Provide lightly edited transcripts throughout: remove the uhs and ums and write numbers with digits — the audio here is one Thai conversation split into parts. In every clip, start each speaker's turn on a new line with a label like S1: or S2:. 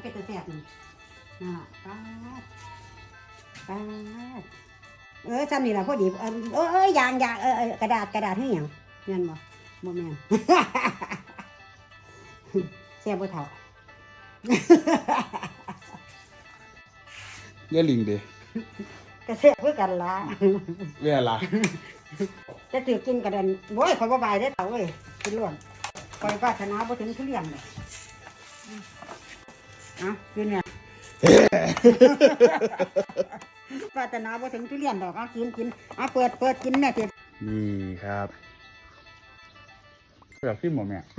S1: เป็นตะแซ่บนี่น่ะป้าดป้าดซ้ำนี่ล่ะพอดียางกระดาษให้หยังแม่นบ่แม่น แซ่บบ่เท่า
S2: เย่ลิงดิ
S1: ก็แซ่บคือกันล่ะ
S2: เว่ล่ะ
S1: จะถือกินกระเด็นโว้ยข่อยบ่บายได้อเต่าเอ้ยกินล้วนข่อยปรารถนาบ่ถึงทุเรียนเลยเอ้ากินเนี่ย ปรารถนาบ่ถึงทุเรียนดอกเอากินเอาเปิดกินแม่เถิด
S2: นี่ครับแบบที่หมดเนี่ย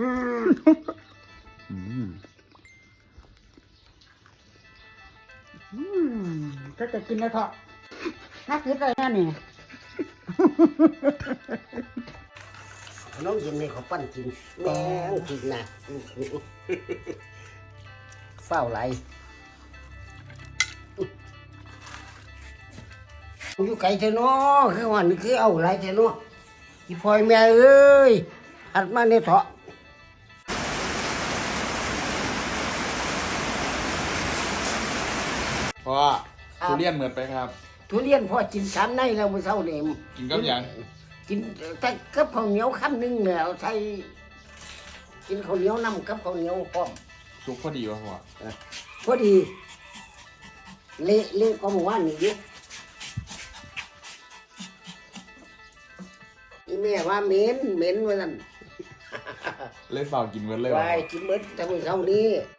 S1: ก็จะกินแล้วเถอะนักกินอะไรนั่นนี่
S3: น้องยินให้เขาปั้นกินแม่งกินนะเฝ้าไหลอยู่ไกลเถอะเนาะคือวันคือเอาไหลเถอะเนาะอีพ่อยแม่เอ้ยหัดมาในเถาะ
S2: เพราะทุเรียนเหมือนไปครับ
S3: ทุเรียนพ่อกิน3 ในแล้วมื้อเช้านี่
S2: กินกับหยัง
S3: กินแต่กับข้าวเหนียวคำนึงแล้วใส่กินข้าวเหนียวน้ำกับข้าวเหนียวพร้อม
S2: สุกพอดีวะพ่อ
S3: พอดีเละก็หมู่บ้านนี่อยู่อีแม่ว่าเหม็นว่าซั่น
S2: เล่นเปล่ากินเหมือนเลย
S3: ไป
S2: วะ
S3: กินเบิดแต่มื้อเช้านี้